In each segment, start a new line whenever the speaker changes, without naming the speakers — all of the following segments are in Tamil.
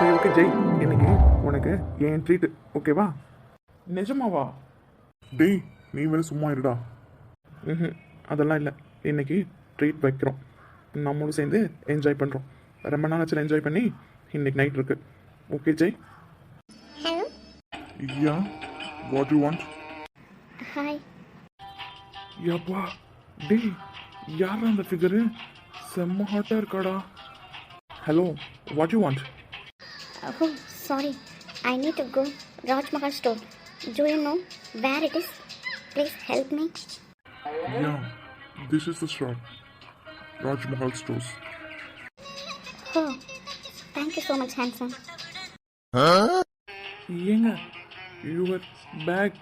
சரி ஓகே ஜெய், இன்னைக்கு உனக்கு என் ட்ரீட் ஓகேவா? நிஜமாவா?
டேய் நீ வேற சும்மா இருடா.
ம், அதெல்லாம் இல்லை. இன்னைக்கு ட்ரீட் வைக்கிறோம், நம்மளும் சேர்ந்து என்ஜாய் பண்ணுறோம். ரொம்ப நாள் ஆச்சு என்ஜாய் பண்ணி. இன்னைக்கு நைட் இருக்கு. Okay Jai?
Hello.
Yeah, what you want?
Hi.
யப்பா டேய், யாரா அந்த ஃபிகரு? செம்ம ஹாட்டாக இருக்காடா. Hello, what you want?
Oh, sorry. I need to go Raj Mahal store. Do you know where it is? Please help me.
Yeah, this is the shop, Raj Mahal stores.
Oh, thank you so much, handsome.
ஏங்க, யுவர் பேக்.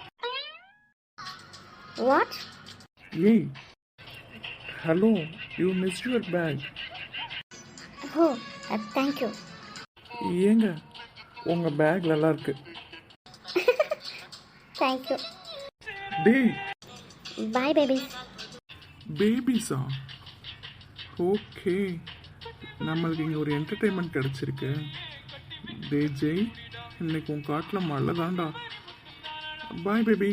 What?
ஏய், hello, you miss your bag.
Oh, thank you.
ஏங்க, உங்கள் பேக் நல்லா இருக்கு.
Thank you.
டேய்,
Bye, baby.
பேபிஸா? ஓகே, நம்மளுக்கு இங்கே ஒரு என்டர்டெயின்மெண்ட் கிடச்சிருக்கு. டே ஜெய், இன்னைக்கு உன் காட்டில் மழை தான்டா. Bye baby.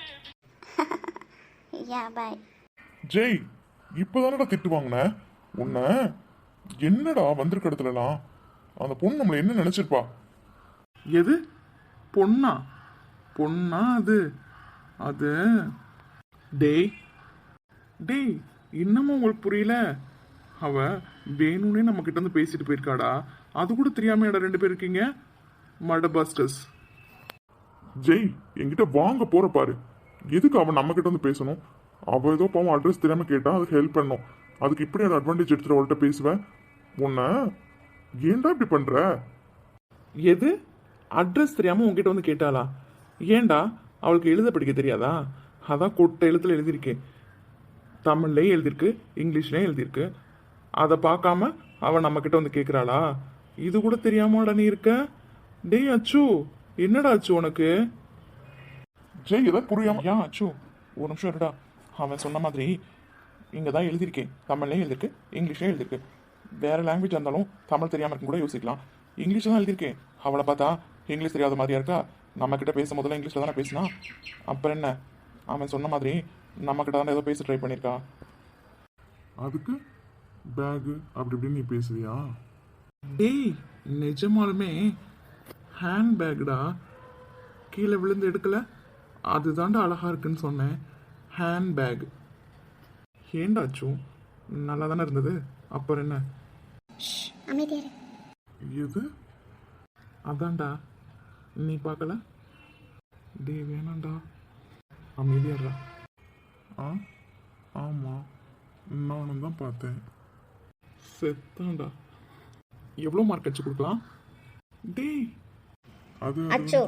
Yeah, bye.
Jai, இப்போதானடா திட்டு வாங்கின உன்னை. என்னடா வந்திருக்க இடத்துலலாம் அந்த பொண்ணு நம்மளை என்ன நினைச்சிருப்பா?
எது பொண்ணா? பொண்ணா அது? அது டேய் டேய், இன்னமும் உங்களுக்கு புரியல? அவ வேணும்னே நம்ம கிட்ட வந்து பேசிட்டு போயிருக்காடா. அது கூட தெரியாம இடம் ரெண்டு பேர் இருக்கீங்க மட பாஸ்டர்ஸ்.
ஜெய், என்கிட்ட வாங்க போற பாரு. எதுக்கு அவன் நம்ம கிட்ட வந்து பேசணும்? அவ ஏதோ பாவம் அட்ரஸ் தெரியாம கேட்டா அதுக்கு ஹெல்ப் பண்ணணும். அதுக்கு இப்படி ஒரு அட்வான்டேஜ் எடுத்துட்டு அவள்கிட்ட பேசுவேன். உன்னை ஏன்டா இப்படி பண்ற?
எது அட்ரஸ் தெரியாம உங்ககிட்ட வந்து கேட்டாளா? ஏன்டா, அவளுக்கு எழுத படிக்க தெரியாதா? அதான் கொட்டை எழுத்துல எழுதியிருக்கேன். தமிழ்லேயும் எழுதியிருக்கு, இங்கிலீஷ்லேயும் எழுதியிருக்கு. அதை பார்க்காம அவன் நம்ம கிட்ட வந்து கேட்குறாளா? இது கூட தெரியாமடா நீ இருக்க? டேய் அச்சு, என்னடா அச்சு உனக்கு?
ஜெய், எதாவது புரியாம.
ஏன் அச்சு, ஒரு நிமிஷம் இருடா. அவன் சொன்ன மாதிரி இங்கே தான் எழுதியிருக்கேன். தமிழ்லேயும் எழுதியிருக்கு, இங்கிலீஷ்லேயும் எழுதியிருக்கு. வேறு லாங்குவேஜ் இருந்தாலும் தமிழ் தெரியாமல் இருக்கும் கூட யோசிக்கலாம். இங்கிலீஷில் தான் எழுதியிருக்கேன். அவளை பார்த்தா இங்கிலீஷ் தெரியாத மாதிரியா இருக்கா? நம்மக்கிட்ட பேசும் போதெல்லாம் இங்கிலீஷில் தானே பேசினா. அப்புறம் என்ன, அவன் சொன்ன மாதிரி நம்மக்கிட்ட தானே ஏதோ பேச ட்ரை பண்ணியிருக்கா.
அதுக்கு பேகு அப்படி இப்படின்னு நீ பேசுவியா?
டேய், நிஜமாலுமே ஹேண்ட் பேக்டா. கீழே விழுந்து எடுக்கல, அதுதான்டா அழகா இருக்குன்னு சொன்னேன். Hand bag. ஏண்டாச்சும் நல்லா தானே இருந்தது, அப்புறம் என்ன?
அமைதியாரு.
எது?
அதான்டா, நீ பார்க்கல? டேய் வேணாண்டா, அமைதியாடுறா.
ஆ, ஆமா, நானும் தான் பார்த்தேன்.
செத்தான்டா. எவ்வளோ மார்க் அடிச்சு கொடுக்கலாம்? டேய்
அது
அச்சோ.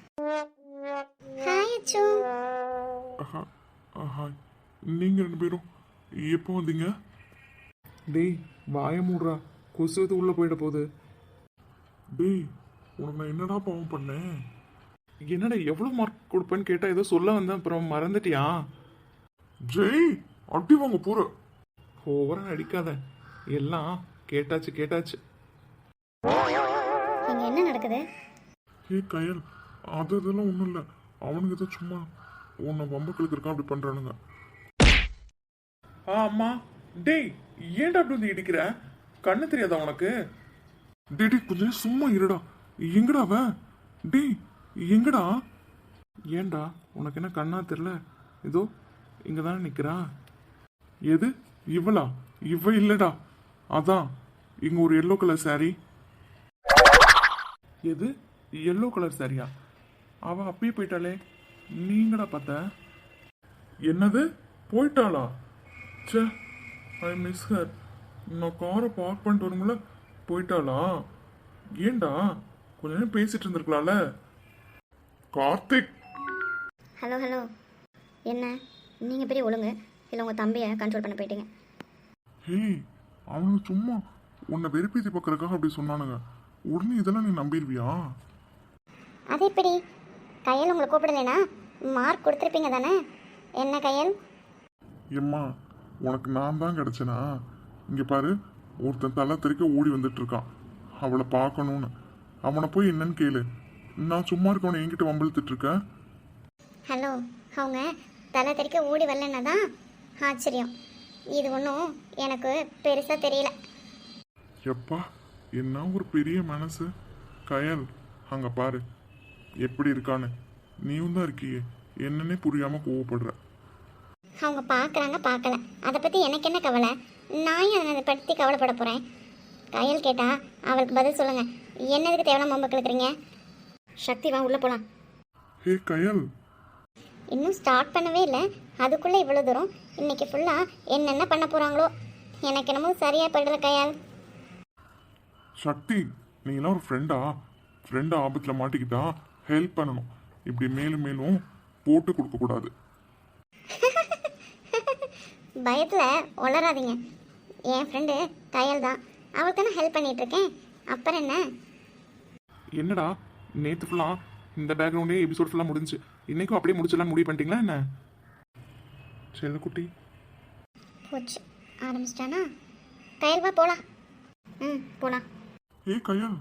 ஹாய் அச்சு.
ஹாய். நீங்க ரெண்டு பேரும் எப்போ வந்தீங்க?
டேய் வாய மூடுறா, கொசு எது உள்ளே போயிட போகுது.
டேய், உனக்கு நான் என்னடா பாவம் பண்ணேன்?
என்னடா எவ்வளோ மார்க் கொடுப்பேன்னு கேட்டால் ஏதோ சொல்ல வந்தேன், அப்புறம் மறந்துட்டியா?
ஜெய், அடி வாங்க போற.
ஓவரா அடிக்காத, எல்லாம் கேட்டாச்சு கேட்டாச்சு.
இங்க என்ன நடக்குது?
ஏ கயல், அதெல்லாம் ஒன்றும் இல்லை. அவனுக்கு ஏதோ சும்மா உன்னை வம்பக்களுக்கு இருக்கான் அப்படி பண்றானுங்க.
ஆமா. டேய், ஏன்டா அப்படி வந்து இடிக்கிற? கண்ணு தெரியாதா உனக்கு?
டேய் டேய், கொஞ்ச நேரம் சும்மா இருடா. எங்கடா அவன்? டேய் எங்கடா?
ஏன்டா, உனக்கு என்ன கண்ணா தெரியல? இதோ இங்க தானே நிக்கிறா.
எது இவளா? இவ இல்லடா, அதான் இங்க ஒரு எல்லோ கலர் சாரி.
எது எல்லோ கலர் சாரியா? அவ அப்பயே போயிட்டாளே, நீங்கடா பார்த்த?
என்னது போயிட்டாளா? ச்சே, ஐ மிஸ் ஹர். நான் காரை பார்க் பண்ணிட்டு வரும்போல போயிட்டாளா? ஏன்டா கொஞ்ச நேரம் பேசிட்டு இருந்திருக்கலாம்ல? கார்த்திக்.
Hello hello. என்ன, நீங்கள் பெரிய ஒழுங்கு இல்லை உங்கள் தம்பியை கண்ட்ரோல் பண்ண போயிட்டீங்க?
ஹேய், அவனுக்கு சும்மா உன்னை வெறுப்பேத்தி பார்க்கறதுக்காக அப்படி சொன்னானுங்க. உடனே இதெல்லாம் நீ நம்பிடுவியா?
அது எப்படி? கையல் உங்களை கூப்பிடலைனா மார்க் கொடுத்துருப்பீங்க தானே? என்ன கையல்?
எம்மா, உனக்கு நான் தான் கிடைச்சனா? இங்க பாரு, ஒருத்தன் தலை தெறிக்க ஓடி வந்துட்டு இருக்கான். அவளை பார்க்கணும்னு. அவனை போய் என்னன்னு கேளு. நான் சும்மா இருக்கவனை என்கிட்ட வம்பிழுத்துட்டு இருக்கேன்.
ஹலோ, அவங்க தலை தெறிக்க ஓடி வரலன்னா தான் ஆச்சரியம். இது ஒன்றும் எனக்கு பெருசாக தெரியல.
எப்பா, என்ன ஒரு பெரிய மனசு. கயல், அங்க பாரு எப்படி இருக்கான்னு. நீயும் தான் இருக்கியே, என்னன்னே புரியாம கோவப்படுற.
அவங்க பார்க்குறாங்க பார்க்கல, அதை பற்றி எனக்கு என்ன கவலை? நான் ஏன் அதை பற்றி கவலைப்பட போகிறேன்? கையல் கேட்டா அவளுக்கு பதில் சொல்லுங்கள். என்னதுக்கு தேவையான மொம்பை கிழக்குறீங்க? சக்தி வா, உள்ளே போகலாம்.
ஹே கயல்,
இன்னும் ஸ்டார்ட் பண்ணவே இல்லை, அதுக்குள்ளே இவ்வளோ தூரம். இன்னைக்கு ஃபுல்லாக என்னென்ன பண்ண போகிறாங்களோ எனக்கு என்னமோ சரியாக படல கையால்.
சக்தி, நீங்களாம் ஒரு ஃப்ரெண்டு ஆபத்தில் மாட்டிக்கிட்டா ஹெல்ப் பண்ணணும். இப்படி மேலும் மேலும் போட்டு கொடுக்கக்கூடாது.
பயத்தில் உளராதீங்க. என் ஃப்ரெண்டு கையல் தான், அவளுக்கு தானே ஹெல்ப் பண்ணிகிட்ருக்கேன். அப்புறம் என்ன?
என்னடா நேற்று ஃபுல்லாக இந்த பேக்ரவுண்டே எபிசோட் ஃபுல்லாக முடிஞ்சு, இன்றைக்கும் அப்படியே முடிச்சிடலாம் முடிவு பண்ணிட்டீங்களா என்ன? செல்லக்குட்டி
போச்சு, ஆரம்பிச்சிட்டானா? கையல் வா போகலாம். போகலாம்.
ஏ கயல்,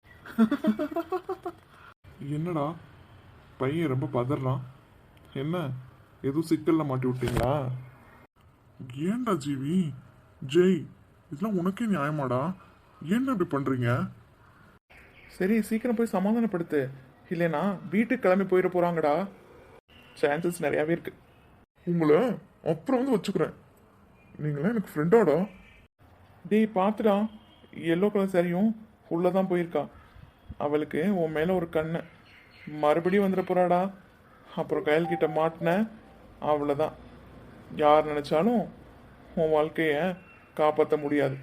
என்னடா பையன் ரொம்ப பதறான்? என்ன எதுவும் சிக்கல்ல மாட்டி விட்டீங்களா? ஏன்டா ஜீவி, ஜெய், இதெல்லாம் உனக்கே நியாயமாடா? ஏன்டா இப்படி பண்றீங்க?
சரி சீக்கிரம் போய் சமாதானப்படுத்து, இல்லைனா வீட்டுக்கு கிளம்பி போயிட போகிறாங்கடா. சான்சஸ் நிறையாவே இருக்கு.
உங்களை அப்புறம் வந்து வச்சுக்கிறேன். நீங்களா எனக்கு ஃப்ரெண்டாடா.
டேய் பார்த்துடா, எல்லோ கலர் சாரியும் உள்ளே தான் போயிருக்கா. அவளுக்கு உன் மேலே ஒரு கண்ணு, மறுபடியும் வந்துட போகிறாடா. அப்புறம் கையல்கிட்ட மாட்டின அவ்வளோதான். யார் நினச்சாலும் உன் வாழ்க்கையை காப்பாற்ற முடியாது.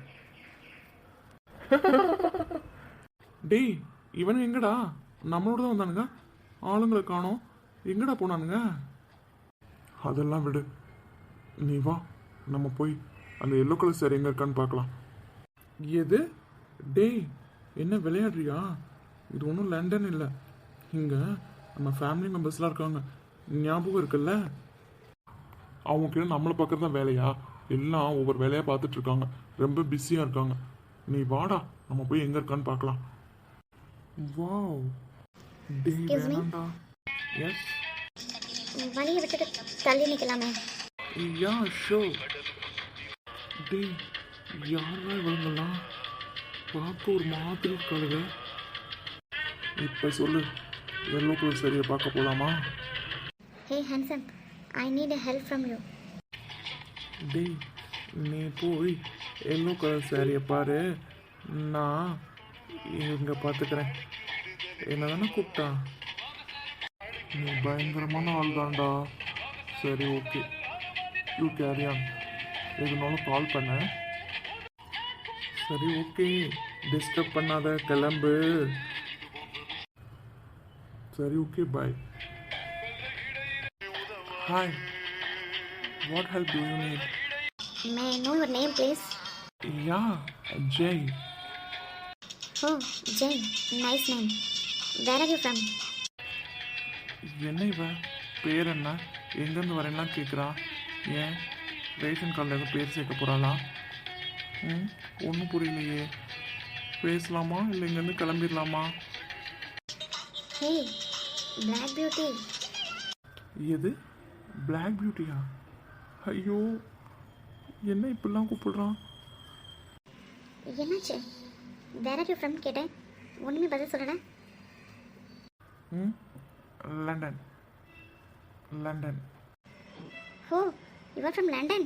டேய் இவனு எங்கடா? நம்மளோட தான் வந்தானுங்க, ஆளுங்களை காணோம். எங்கடா போனானுங்க?
அதெல்லாம் விடு, நீ வா, நம்ம போய் அந்த எல்லோ கலர் சாரி எங்க இருக்கான்னு பார்க்கலாம்.
எது? டேய் என்ன விளையாடுறியா? இது ஒன்றும் லண்டன் இல்லை, இங்கே நம்ம ஃபேமிலி மெம்பர்ஸ்லாம் இருக்காங்க, ஞாபகம் இருக்குல்ல?
அவங்க கிட்ட நம்மளை பார்க்கறது தான் வேலையா? எல்லாம் ஒவ்வொரு வேலையாக பார்த்துட்டு இருக்காங்க, ரொம்ப பிஸியாக இருக்காங்க. நீ வாடா, நம்ம போய் எங்கே இருக்கான்னு பார்க்கலாம்.
வாவ். டேய்
Excuse me?
வேணாண்டா. எஸ்
வழியை விட்டுட்டு தள்ளி நிற்கலாமே.
யா ஷோ. டேய் யாரா இவங்கெல்லாம்? பார்க்க ஒரு மாதிரி இருக்காளுங்க.
இப்போ சொல்லு, எல்லோ கலர் சாரியை பார்க்க போகலாமா?
Hey handsome, I need a help from you.
டேய் நீ போய் எல்லோ கலர் சாரியை பாரு, நான் இங்கே பார்த்துக்கிறேன். என்ன தானே கூப்பிட்டா?
நீ பயங்கரமான ஆள் தான்டா. சரி ஓகே, யூ கேரி ஆன். எதுனாலும் கால் பண்ண.
சரி ஓகே, டிஸ்டர்ப் பண்ணாத, கிளம்பு.
சரி okay, bye.
Hi, what help do you need?
May I know your name, please?
Yeah Jai.
Oh, Jay, nice name. Where are you from?
என்ன இவ பேர் என்ன, எங்கேருந்து வரேன்னா கேட்குறா. ஏன் ரேஷன் கார்டில் எதுவும் பேர் சேர்க்க போகிறாளா? ஒன்றும் புரியலையே. பேசலாமா இல்லை இங்கேருந்து கிளம்பிடலாமா?
Hey, Black Beauty.
எது பிளாக் பியூட்டியா? ஐயோ என்ன இப்படிலாம் கூப்பிடுறான்?
என்னாச்சு? Where are you from கேட்டேன், ஒன்றுமே பதில் சொல்லலை.
London. London.
Oh, you are from London?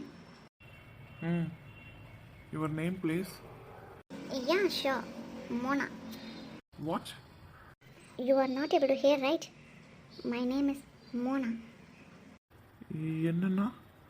Your name please?
Yeah, sure. Mona.
What?
You are not able to hear, right? My name is Mona.
என்னன்னா?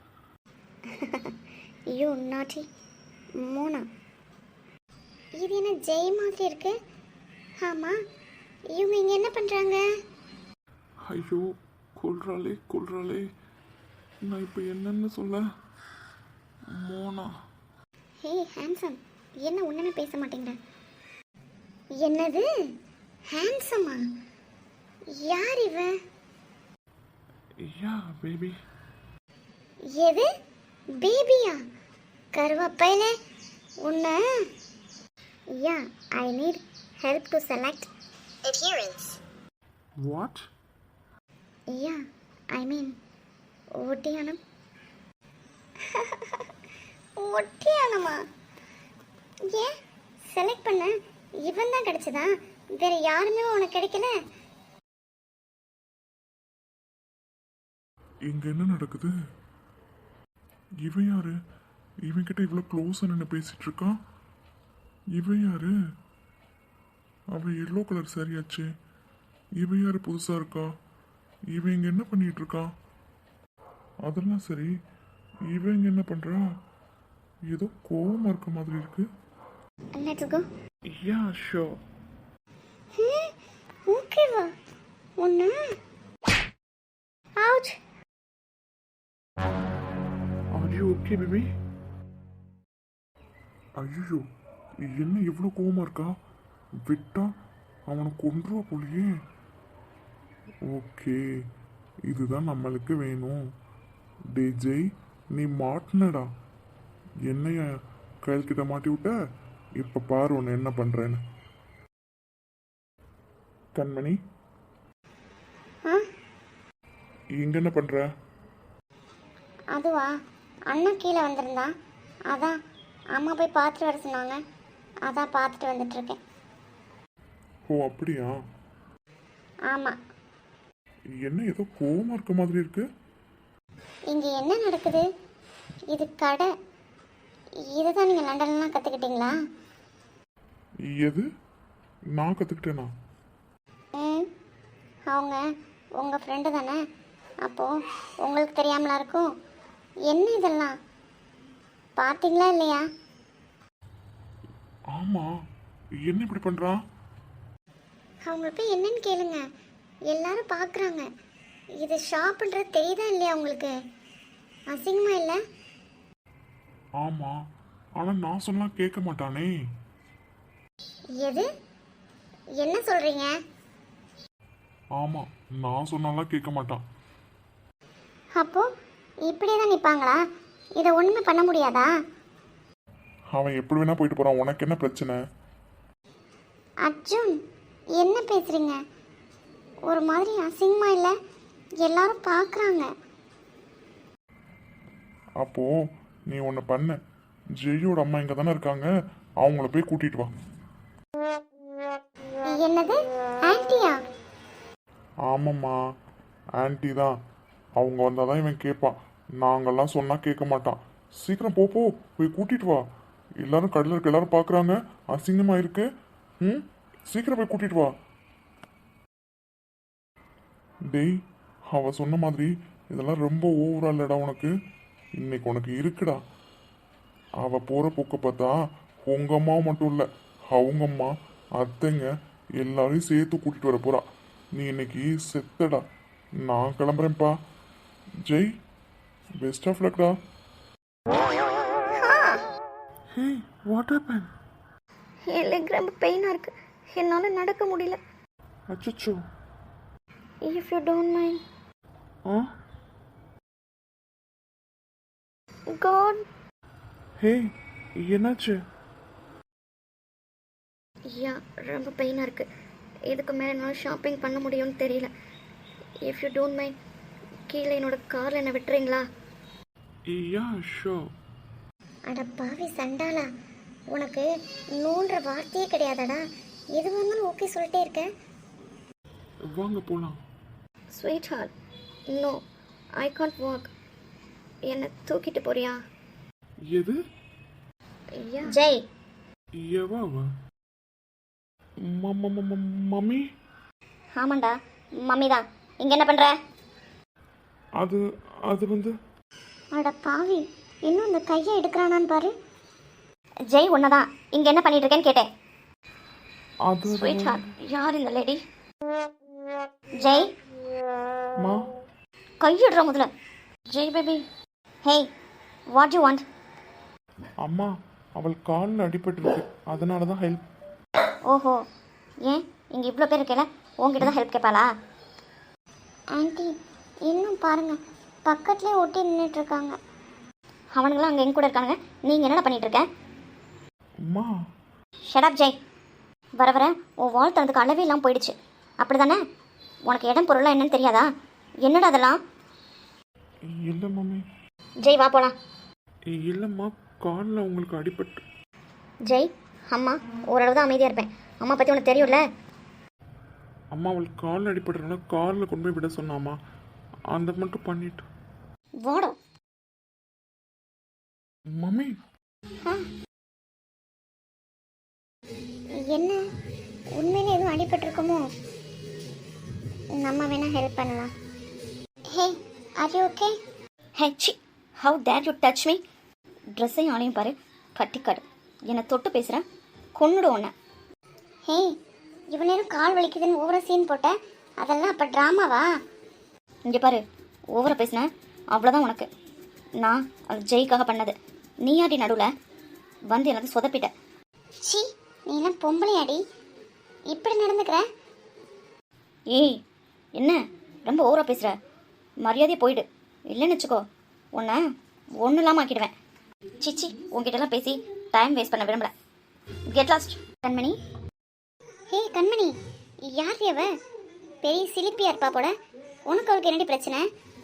You naughty. Mona. இது என்ன ஜெய் மாதிரி இருக்கு? ஆமாம், இவங்க இங்கே என்ன பண்ணுறாங்க?
ஐயோ கொல்றாளே கொல்றாளே, நான் இப்போ என்னன்னு சொல்ல? மோனா.
ஹே ஹேண்ட்ஸம், என்ன ஒன்றுமே பேச மாட்டேங்கிற? என்னது ஹேண்ட்ஸமா? யார் இவ?
Yeah baby.
எது பேபியா? கருவாப்பையில உன்ன. Yeah, I need help to select adherence.
What?
Yeah, I mean, ஒட்டியானம். ஒட்டியானமா? ஏன் செலக்ட் பண்ண இவன் தான் கிடைச்சதா? வேற யாருமே உனக்கு கிடைக்கல?
இங்க என்ன நடக்குது? இவன் யாரு? இவன் கிட்ட இவ்வளவு க்ளோஸா நின்று பேசிட்டு இருக்கான். இவன் யாரு? அவன் எல்லோ கலர் சரியாச்சு. இவன் யாரு புதுசா இருக்கா? இவன் இங்க என்ன பண்ணிட்டு இருக்கான்? அதெல்லாம் சரி, இவன் இங்க என்ன பண்றா? ஏதோ கோவமா இருக்க மாதிரி இருக்கு.
Let's go.
Yeah sure.
ஓகேவா? ஒன்று out.
Are you okay baby?
ஐயோ, என்ன இவ்வளோ கோவமா இருக்கா? விட்டா அவனை கொன்றுவா போலியே. ஓகே, இதுதான் நம்மளுக்கு வேணும். டே ஜெய், நீ மாட்டினடா. என்னைய கையல்கிட்ட மாட்டி விட்ட. இப்ப பாரு உன்னை என்ன பண்றேன்னு. கண்மணி,
ஆ
இங்க என்ன பண்ற?
அதுவா, அண்ணா கீழே வந்திருந்தான். அதான் அம்மா போய் பார்த்துட்டு வர சொன்னாங்க. அதான் பார்த்துட்டு வந்துட்டு இருக்கேன்.
ஓ அப்படியா?
ஆமாம்.
என்ன ஏதோ கோவமா இருக்க மாதிரி இருக்கு.
இங்கே என்ன நடக்குது? இது கடை. இதை தான் நீங்கள் லண்டன்லாம் கற்றுக்கிட்டீங்களா?
எது? நான் கத்துக்கிட்டேனா?
ம், அவங்க உங்கள் ஃப்ரெண்டு தானே? அப்போது உங்களுக்கு தெரியாமலா இருக்கும்? என்ன இதெல்லாம் பார்த்தீங்களா இல்லையா?
ஆமா, என்ன இப்படி பண்றான்?
அவங்க போய் என்னன்னு கேளுங்க. எல்லாரும் பார்க்குறாங்க. இது ஷாப்புன்றது தெரியுதா இல்லையா உங்களுக்கு? அசிங்கமா இல்லை?
ஆமா, ஆனா நான் சொன்னா கேட்க மாட்டானே.
எது? என்ன சொல்கிறீங்க?
ஆமா, நான் சொன்னாலாம் கேட்க மாட்டான்.
அப்போது இப்படியே தான் நிற்பாங்களா? இதை ஒன்றுமே பண்ண முடியாதா?
அவன் எப்படி வேணா போயிட்டு போறான். உனக்கு என்ன பிரச்சனை?
அர்ஜுன், என்ன பேசுகிறீங்க? ஒரு மாதிரி அசிங்கமா இல்லை? எல்லாரும் பார்க்குறாங்க.
அப்போ நீ ஒன்று பண்ண. ஜெய்யோட அம்மா இங்கே தானே இருக்காங்க, அவங்கள போய் கூட்டிட்டு வா.
என்னது? ஆன்ட்டியா?
ஆமாம்மா, ஆன்ட்டி தான். அவங்க வந்தால் தான் இவன் கேட்பான். நாங்கள்லாம் சொன்னால் கேட்க மாட்டான். சீக்கிரம் போ போய் கூட்டிட்டு வா. எல்லாரும் கடையில் இருக்க எல்லாரும் பார்க்குறாங்க, அசிங்கமாக இருக்கு. ம், சீக்கிரம் போய் கூட்டிட்டு வா. டேய், அவ சொன்ன மாதிரி இதெல்லாம் ரொம்ப ஓவரா இல்லடா உனக்கு. இன்னைக்கு உனக்கு இருக்குடா. அவ போற போக்க பார்த்தா உங்க அம்மா மட்டும் இல்ல, அவங்க அம்மா, அத்தைங்க எல்லாரையும் சேர்த்து கூட்டிட்டு வர போறா. நீ இன்னைக்கு செத்தடா. நான் கிளம்புறேன்ப்பா. ஜெய், பெஸ்ட் ஆஃப் லக்டா.
Hey, what happen?
என் லெக் ரொம்ப பெயினாக இருக்குது. என்னால் நடக்க முடியல.
அச்சச்சோ.
If you don't mind.
Ah
god.
Hey, என்னாச்சு?
யா, ரொம்ப பெயினாக இருக்குது. இதுக்கு மேலே என்னால் ஷாப்பிங் பண்ண முடியும்னு தெரியல. இஃப் யூ டோன்ட் மைண்ட், கீழே என்னோட காரில் என்ன விட்டுறீங்களா?
யா ஷோர்.
அட பாவி சண்டாளா, உனக்கு நூன்ற வார்த்தையே கிடையாதடா. எது வந்தாலும் ஓகே சொல்லிட்டே இருக்க.
வாங்க போலாம்.
Sweet heart, no, I can't walk. என்னை தூக்கிட்டு போறியா?
எது?
ஜெய்.
எவாவா? மம்மி?
ஆமாண்டா, மம்மி தான். இங்கே என்ன பண்ணுற?
அது அது வந்து
அட பாவி, இன்னும் இந்த கையை எடுக்கிறானான்னு பாரு. ஜெய் ஒன்று தான். இங்கே என்ன பண்ணிட்டு இருக்கேன்னு கேட்டேன்.
அது
ஸ்வீட் ஹார்ட், யார் இந்த லேடி? ஜெய்,
மா,
கையிடுற முதல்ல. Jai baby. Hey, what you want?
அம்மா, அவள் காலில் அடிபட்டிருக்கு, அதனால தான் ஹெல்ப்.
ஓஹோ, ஏன் இங்கே இவ்வளோ பேர் இருக்கல, உங்ககிட்ட தான் ஹெல்ப் கேட்பாளா? ஆன்ட்டி, இன்னும் பாருங்க, பக்கத்துலேயே ஒட்டி நின்றுட்டு இருக்காங்க. அவனுங்களாம் அங்கே எங்க கூட இருக்கானுங்க. நீங்கள் என்னடா பண்ணிட்டு இருக்க?
அம்மா.
Shut up Jai. வர வர உன் வாழ்த்தனதுக்கு அளவே இல்லாமல் போயிடுச்சு அப்படி தானே? உனக்கு இடம் பொருளாக என்னன்னு தெரியாதா? என்னடா அதெல்லாம்?
இல்லை மம்மி.
ஜெய் வா போகலாம்.
இல்லைம்மா, காலில் உங்களுக்கு அடிபட்டு.
ஜெய், அம்மா ஓரளவு தான் அமைதியாக இருப்பேன். அம்மா பற்றி உனக்கு தெரியும்ல.
அம்மா அவளுக்கு காலில் அடிபடுறதுனால காரில் கொண்டு போய் விட சொன்னாம்மா. அந்த மட்டும் பண்ணிட்டு.
வாடோ.
மம்மி.
என்ன உண்மையிலே எதுவும் அடிபட்டிருக்குமோ? நம்ம வேணா ஹெல்ப் பண்ணலாம். Hey, are you okay? Hey she, how dare you touch me? ட்ரெஸ்ஸையும் ஆளையும் பாரு, பட்டிக்காடு. என்னை தொட்டு பேசுகிறேன், கொன்னுடு உன்னை. ஹே, இவ்வளோ நேரம் கால் வலிக்குதுன்னு ஓவரா சீன் போட்ட, அதெல்லாம் அப்போ ட்ராமாவா? இங்கே பாரு, ஓவரா பேசினேன் அவ்வளோதான் உனக்கு. நான் அது ஜெய்க்காக பண்ணது. நீயாடி நடுவில் வந்து எனக்கு சொதப்பிட்ட. சி, நீ எல்லாம் பொம்பளையாடி, இப்படி நடந்துக்கிற? ஏய், என்ன ரொம்ப ஓவரா பேசுகிற? மரியாதையை போயிடு, இல்லைன்னு வச்சுக்கோ உன்னை ஒன்றும் இல்லாமல் ஆக்கிடுவேன். சிச்சி, உங்ககிட்டலாம் பேசி டைம் வேஸ்ட் பண்ண விரும்பல. Get lost. கண்மணி. ஹே கண்மணி, யார் அவ? பெரிய சிலிப்பியா இருப்பா போல. உனக்கு அவளுக்கு என்னடி பிரச்சனை?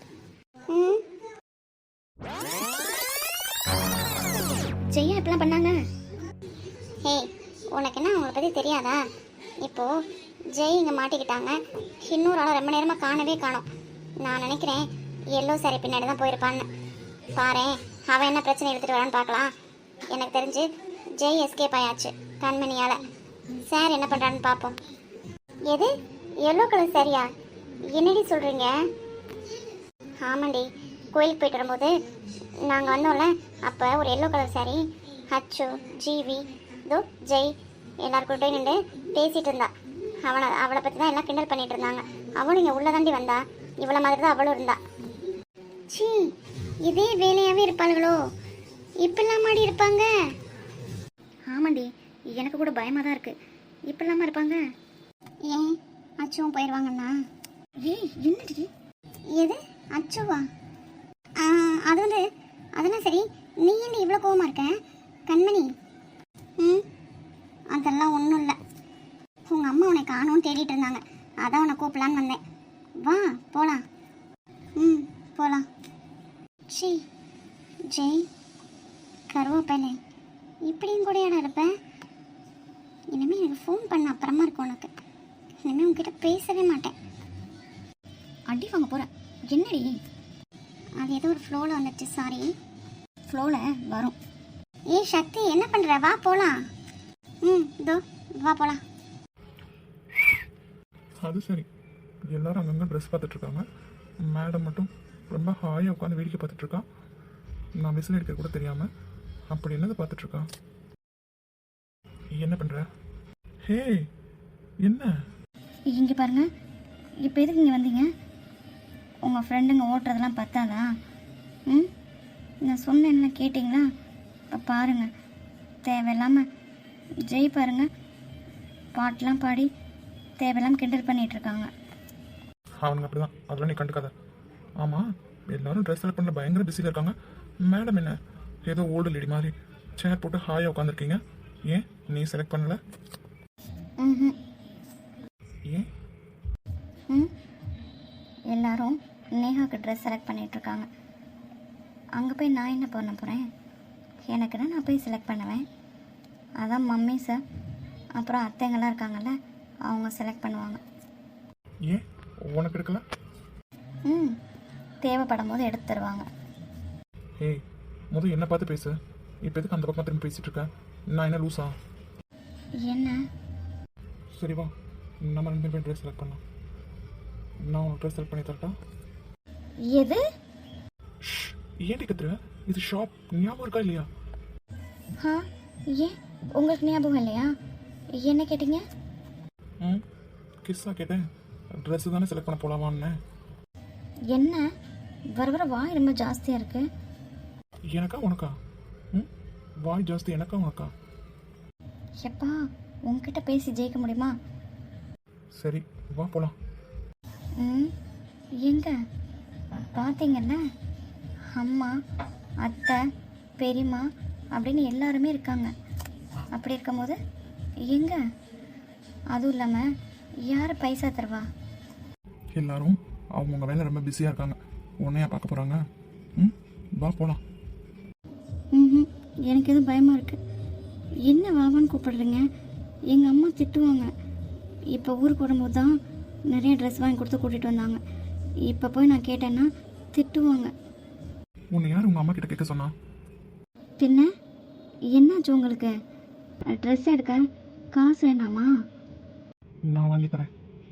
ஜெய்யா இப்படிலாம் பண்ணாங்க? ஹே, உனக்கு என்ன அவங்கள பற்றி தெரியாதா? இப்போது ஜெய் இங்கே மாட்டிக்கிட்டாங்க. இன்னொரு ஆளை ரொம்ப நேரமாக காணவே காணோம். நான் நினைக்கிறேன் எல்லோ சாரி பின்னாடி தான் போயிருப்பான்னு. பாரு, அவன் என்ன பிரச்சனை எடுத்துகிட்டு வரான்னு பார்க்கலாம். எனக்கு தெரிஞ்சு ஜெய் எஸ்கேப் ஆயாச்சு கண்மணியால். சார் என்ன பண்ணுறான்னு பார்ப்போம். எது எல்லோ கலர் சாரியா? என்னடி சொல்கிறீங்க? ஆமாண்டி, கோயிலுக்கு போயிட்டு வரும்போது நாங்கள் வந்தோம்ல, அப்போ ஒரு எல்லோ கலர் சாரி ஹச்சு, ஜிவி, தோ ஜெய் எல்லாருக்கிட்டே நின்று பேசிகிட்டு இருந்தா. அவளை பற்றி தான் எல்லாம் கிண்டல் பண்ணிகிட்டு இருந்தாங்க. அவளும் இங்கே உள்ள தாண்டி வந்தா. இவ்வளோ மாதிரி தான் அவளும் இருந்தா. சி, இதே வேலையாகவே இருப்பாளுகளோ? இப்படிலாம் மாடி இருப்பாங்க? ஆமாண்டி, எனக்கு கூட பயமாக தான் இருக்குது. இப்படிலாமா இருப்பாங்க? ஏன் அச்சுவும் போயிடுவாங்கண்ணா? ஏய் என்னடி? எது அச்சுவா? அது வந்து அதெல்லாம் சரி, நீ என்ன இவ்வளோ கோவமாக இருக்க கண்மணி? அதெல்லாம் ஒன்றும் இல்லை. உங்கள் அம்மா உன்னை காணோன்னு தேடிட்டு இருந்தாங்க, அதான் உன்னை கூப்பிடலான்னு வந்தேன். வா போகலாம். போகலாம். சி, ஜெய் கருவேப்பிலை இப்படியும் கூடயாடா இருப்பேன். இனிமேல் எனக்கு ஃபோன் பண்ண அப்புறமா இருக்கும் உனக்கு. இனிமேல் உங்ககிட்ட பேசவே மாட்டேன். அடி வாங்க போகிறேன். என்னடி? அது ஏதோ ஒரு ஃப்ளோவில் வந்துடுச்சு. சாரி, ஃப்ளோவில் வரும். ஏய் சக்தி, என்ன பண்ணுற? வா போகலாம். இதோ வா போகலாம்.
அது சரி, எல்லாரும் அங்கங்கே ட்ரெஸ் பார்த்துட்டு இருக்காங்க. மேடம் மட்டும் ரொம்ப ஹாயாக உட்காந்து வேடிக்கை பார்த்துட்டு இருக்கா. நான் விசில் அடிக்க கூட தெரியாமல் அப்படி என்னது பார்த்துட்டு இருக்கா? என்ன பண்ணுற? ஹே, என்ன?
இங்கே பாருங்க, இப்போ எதுக்கு இங்கே வந்தீங்க? உங்கள் ஃப்ரெண்டுங்க ஓட்டுறதெல்லாம் பார்த்தாதா? நான் சொன்னேன்ல, கேட்டிங்களா? இப்போ பாருங்கள், தேவையில்லாமல் ஜெய் பாருங்க பாட்டெலாம் பாடி தேவையில்லாமல் கிண்டல் பண்ணிகிட்ருக்காங்க.
அவனுங்க அப்படி தான், அதெல்லாம் நீ கண்டுக்காத. ஆமாம், எல்லாரும் ட்ரெஸ் செலக்ட் பண்ண பயங்கர பிஸியில் இருக்காங்க. மேடம் என்ன ஏதோ ஓல்டு லேடி மாதிரி சேர் போட்டு ஹாயாக உட்காந்துருக்கீங்க. ஏன் நீ செலக்ட் பண்ணல? ஏன்?
எல்லாரும் நேஹாவுக்கு ட்ரெஸ் செலக்ட் பண்ணிகிட்ருக்காங்க. அங்கே போய் நான் என்ன பண்ண போகிறேன்? எனக்குன்னா நான் போய் செலக்ட் பண்ணுவேன். அதான் மம்மி சார் அப்புறம் அத்தைங்கெல்லாம் இருக்காங்கல்ல, அவங்க செலக்ட் பண்ணுவாங்க.
ஏன் உனக்கு எடுக்கல?
தேவைப்படும் போது எடுத்து தருவாங்க.
ஏய், முதல் என்ன பார்த்து பேசு. இப்போ எதுக்கு அந்த பக்கம் திரும்பி பேசிகிட்டு இருக்கேன்? நான் என்ன லூஸா?
என்ன?
சரி வா, நம்ம 2 பேரும் ட்ரெஸ் செலக்ட் பண்ணலாம். நான் உனக்கு ட்ரெஸ் செலக்ட் பண்ணி தரட்டா?
எது?
ஏன்டி கத்துற? இது ஷாப், ஞாபகம் இருக்கா இல்லையா?
ஏன் உங்களுக்கு ஞாபகம் இல்லையா? என்ன கேட்டீங்க?
கிஸ்ஸா கேட்டேன். ட்ரெஸ்ஸு தானே செலக்ட் பண்ண போகலாமான்னு.
என்ன வர வர வாய் ரொம்ப ஜாஸ்தியாக இருக்கு.
எனக்கா உனக்கா? வாய் ஜாஸ்தி எனக்கா உனக்கா?
எப்பா, உங்ககிட்ட பேசி ஜெயிக்க முடியுமா?
சரி வா போகலாம்.
எங்க பார்த்தீங்கல்ல, அம்மா அத்தை பெரியம்மா அப்படின்னு எல்லாருமே இருக்காங்க. அப்படி இருக்கும்போது எங்க
அதுவும் இல்லாமல் யார் பைசா தருவா?
எல்லாரும் அவங்கவுங்க வேலை ரொம்ப பிஸியாக இருக்காங்க. உன்னையா பார்க்க போகிறாங்க? ம், வா போகலாம்.
ம், எனக்கு எதுவும் பயமாக இருக்குது. என்ன வாவான்னு கூப்பிடுறீங்க? எங்கள் அம்மா திட்டுவாங்க. இப்போ ஊருக்கு வரும்போது தான் நிறைய ட்ரெஸ் வாங்கி கொடுத்து கூட்டிகிட்டு வந்தாங்க. இப்போ போய் நான் கேட்டேன்னா திட்டுவாங்க.
உன்னை யார் உங்கள் அம்மா கிட்ட கேட்க சொன்னா?
பின்ன என்னாச்சு உங்களுக்கு? ட்ரெஸ் எடுக்க காசு வேண்டாமா?
நான் வாங்கி தரேன்.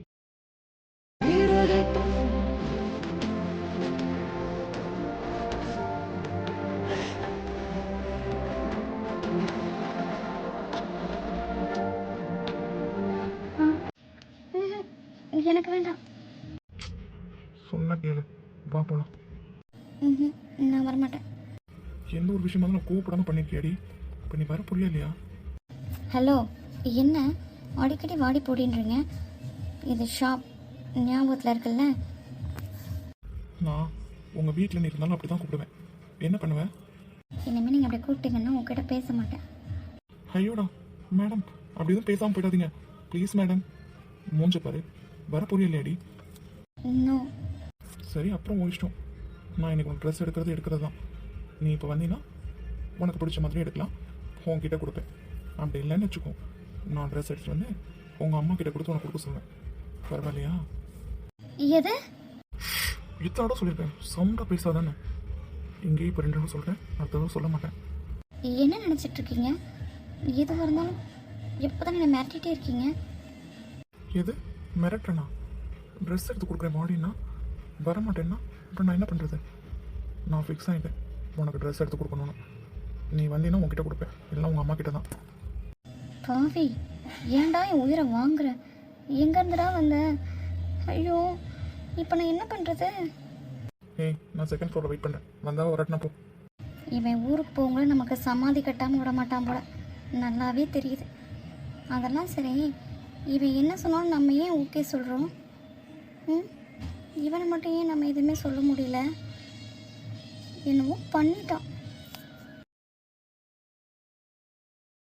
எனக்கு வேண்டாம்.
சொன்ன கேளு, வா போகலாம்.
நான் வரமாட்டேன்.
எந்த ஒரு விஷயமா நான் கூப்பிடாம பண்ணிருக்கியாடி? இப்போ நீ வர புரியல இல்லையா?
ஹலோ, என்ன அடிக்கடி வாடி போடின்றீங்க? இது ஷாப் ஞாபகத்தில் இருக்குல்ல?
நான் உங்கள் வீட்டில் நீ இருந்தாலும் அப்படி தான் கூப்பிடுவேன். என்ன பண்ணுவேன்?
இனிமேல் நீங்கள் அப்படி கூப்பிட்டீங்கன்னா உங்ககிட்ட பேச மாட்டேன்.
ஐயோடா மேடம், அப்படி எதுவும் பேசாமல் போயிடாதீங்க ப்ளீஸ் மேடம். மூஞ்ச பாரு, வர புரியலையாடி?
இன்னும்
சரி, அப்புறம் உன் இஷ்டம். நான் இன்னைக்கு உனக்கு ட்ரெஸ் எடுக்கிறது தான். நீ இப்போ வந்தீங்கன்னா உனக்கு பிடிச்ச மாதிரி எடுக்கலாம், உன்கிட்ட கொடுப்பேன். அப்படி இல்லைன்னு வச்சுக்கோ, நான் ட்ரெஸ் எடுத்துகிட்டு வந்து உங்கள் அம்மா கிட்ட கொடுத்து உனக்கு கொடுக்க சொல்லுவேன். பரவாயில்லையா?
எது?
இத்தோட சொல்லியிருக்கேன், சவுண்டாக பேசாதானே. இங்கேயே இப்போ 2 தடவை சொல்கிறேன், அடுத்த தடவை சொல்ல மாட்டேன்.
என்ன நினச்சிட்டு இருக்கீங்க? எதுவாக இருந்தாலும் எப்போ தான் என்னை மிரட்டிகிட்டே இருக்கீங்க.
எது மிரட்டனா? ட்ரெஸ் எடுத்து கொடுக்குறேன் பாடின்னா வரமாட்டேன்னா அப்புறம் நான் என்ன பண்ணுறது? நான் ஃபிக்ஸ் ஆகிட்டேன் உனக்கு ட்ரெஸ் எடுத்து கொடுக்கணும்னு. நீ வந்தீங்கன்னா உங்ககிட்ட கொடுப்பேன், இல்லை உங்கள் அம்மா கிட்ட தான்.
பாவி, ஏன்டா என் உயிரை வாங்குற? எங்கேருந்துடா வந்த? ஐயோ, இப்போ நான் என்ன பண்ணுறது?
ஏய், நான் செகண்ட் ஃப்ளோரில் வெயிட் பண்ணுறேன், வந்தால் வரட்டினா போ.
இவன் ஊருக்கு போகும்போது நமக்கு சமாதி கட்டாமல் விட மாட்டான் போல, நல்லாவே தெரியுது. அதெல்லாம் சரி, இவன் என்ன சொன்னாலும் நம்ம ஏன் ஓகே சொல்கிறோம்? இவனை மட்டும் ஏன் நம்ம எதுவுமே சொல்ல முடியல? என்னவோ பண்ணிட்டான்.